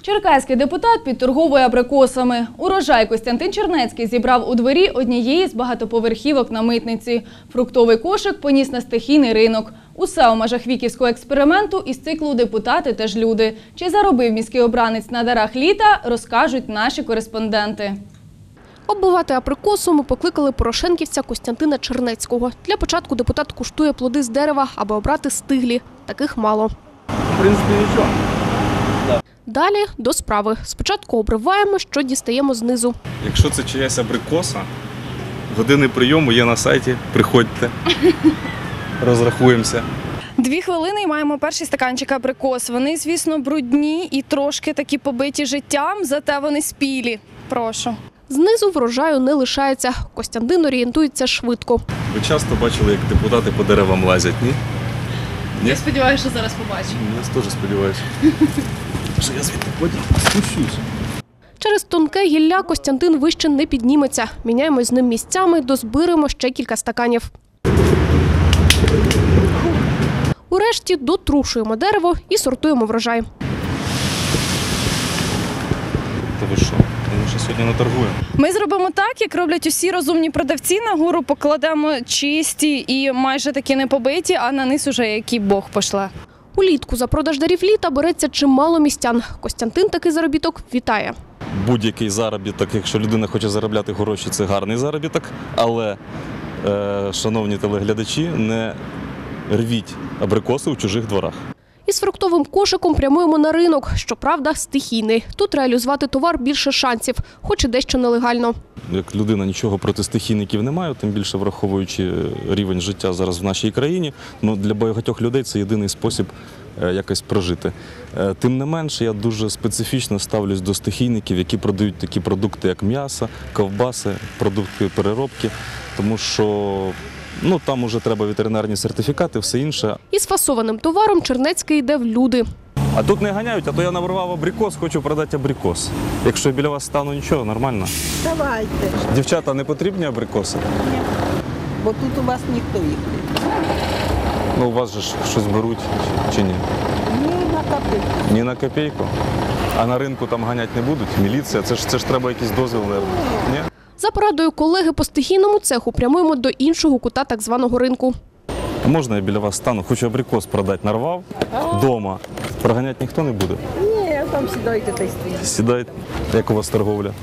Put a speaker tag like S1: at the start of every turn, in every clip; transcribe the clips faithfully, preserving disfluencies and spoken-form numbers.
S1: Черкаський депутат підторговує абрикосами. Урожай Костянтин Чернецький зібрав у дворі однієї з багатоповерхівок на Митниці. Фруктовий кошик поніс на стихійний ринок. Усе у межах віківського експерименту із циклу «Депутати теж люди». Чи заробив міський обранець на дарах літа, розкажуть наші кореспонденти.
S2: Оббивати абрикосу ми покликали порошенківця Костянтина Чернецького. Для початку депутат куштує плоди з дерева, аби обрати стиглі. Таких мало.
S3: В принципі, нічого.
S2: Далі до справи. Спочатку обриваємо, що дістаємо знизу.
S3: Якщо це чиясь абрикоса, години прийому є на сайті, приходьте, розрахуємося.
S4: Дві хвилини і маємо перший стаканчик абрикос. Вони, звісно, брудні і трошки такі побиті життям, зате вони спілі. Прошу.
S2: Знизу врожаю не лишається. Костянтин орієнтується швидко.
S3: Ви часто бачили, як депутати по деревам лазять, ні? Ні?
S1: Я сподіваюся, що зараз побачимо.
S3: Я теж сподіваюся. Що я звідти потім спущусь.
S2: Через тонке гілля Костянтин вище не підніметься. Міняємо з ним місцями, дозбираємо ще кілька стаканів. Урешті дотрушуємо дерево і сортуємо врожай.
S3: Та ви що? Ми ще сьогодні не торгуємо.
S4: Ми зробимо так, як роблять усі розумні продавці. Нагору покладемо чисті і майже такі не побиті, а на низ уже який Бог пошле.
S2: Улітку за продаж дарів літа береться чимало містян. Костянтин такий заробіток вітає.
S3: Будь-який заробіток, якщо людина хоче заробляти гроші, це гарний заробіток. Але, е, шановні телеглядачі, не рвіть абрикоси у чужих дворах.
S2: Із фруктовим кошиком прямуємо на ринок. Щоправда, стихійний. Тут реалізувати товар більше шансів, хоч і дещо нелегально.
S3: Як людина нічого проти стихійників не має, тим більше враховуючи рівень життя зараз в нашій країні, ну, для багатьох людей це єдиний спосіб якось прожити. Тим не менше, я дуже специфічно ставлюсь до стихійників, які продають такі продукти, як м'ясо, ковбаси, продукти переробки, тому що ну, там уже треба ветеринарні сертифікати, все інше.
S2: Із фасованим товаром Чернецький йде в люди.
S3: А тут не ганяють, а то я наварвав абрикос, хочу продати абрикос. Якщо я біля вас стану, нічого, нормально.
S5: Давайте.
S3: Дівчата, не потрібні абрикоси?
S5: Ні. Бо тут у вас ніхто їх не.
S3: Ну, у вас же ж щось беруть чи ні?
S5: Ні на копійку.
S3: Ні на копійку? А на ринку там ганять не будуть? Міліція? Це ж, це ж треба якийсь дозвіл, ні?
S2: За порадою колеги по стихійному цеху прямуємо до іншого кута так званого ринку.
S3: А можна я біля вас стану? Хочу абрикос продати. Нарвав вдома. Проганяти ніхто не буде?
S5: Ні, там сідайте та й стоїть.
S3: Сідайте. Як у вас торговля?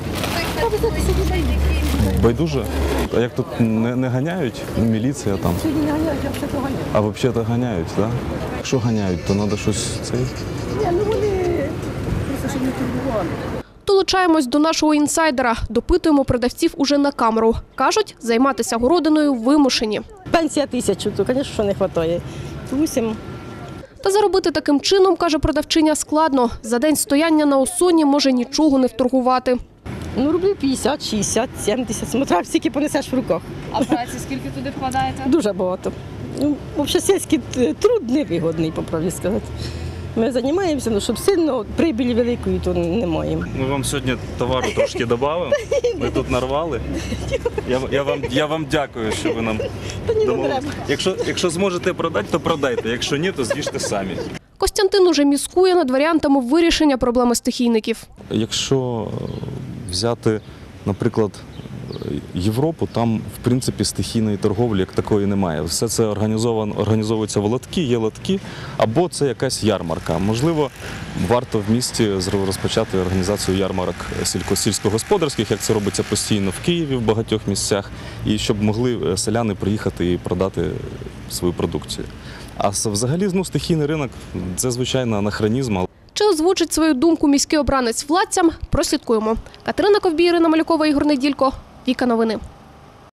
S3: Байдуже? А як тут не, не ганяють? Ну, міліція там.
S5: Сьогодні не ганяють, а все ганяють.
S3: А взагалі-то ганяють, так? Да? Якщо ганяють, то треба щось цей.
S5: Ні, ну вони просто щоб не турбували.
S2: Долучаємось до нашого інсайдера. Допитуємо продавців уже на камеру. Кажуть, займатися городиною вимушені.
S5: Пенсія тисячу, то, звісно, що не вистачає. Вісім.
S2: Та заробити таким чином, каже продавчиня, складно. За день стояння на осоні може нічого не вторгувати.
S5: Ну, рублів п'ятдесят, шістдесят, сімдесят. Смотря, скільки понесеш в руках.
S4: А праці скільки туди вкладаєте?
S5: Дуже багато. Ну, взагалі, сільський труд невигодний, по правді сказати. Ми займаємося, ну, щоб сильно прибілі великої, то не маємо.
S3: Ми вам сьогодні товару трошки додамо. Ми тут нарвали. Я, я, вам, я вам дякую, що ви нам домовились. Якщо, якщо зможете продати, то продайте. Якщо ні, то з'їжте самі.
S2: Костянтин уже міскує над варіантами вирішення проблеми стихійників.
S3: Якщо взяти, наприклад, Європу, там, в принципі, стихійної торговлі як такої немає. Все це організовано, організовуються в лотки, є лотки, або це якась ярмарка. Можливо, варто в місті розпочати організацію ярмарок сільськогосподарських, як це робиться постійно в Києві, в багатьох місцях, і щоб могли селяни приїхати і продати свою продукцію. А взагалі, ну, стихійний ринок – це, звичайно, анахронізм.
S2: Чи озвучить свою думку міський обранець владцям? Прослідкуємо. Катерина Ковбій, Ірина Малюкова, Ігор Неділько. Віка Новини.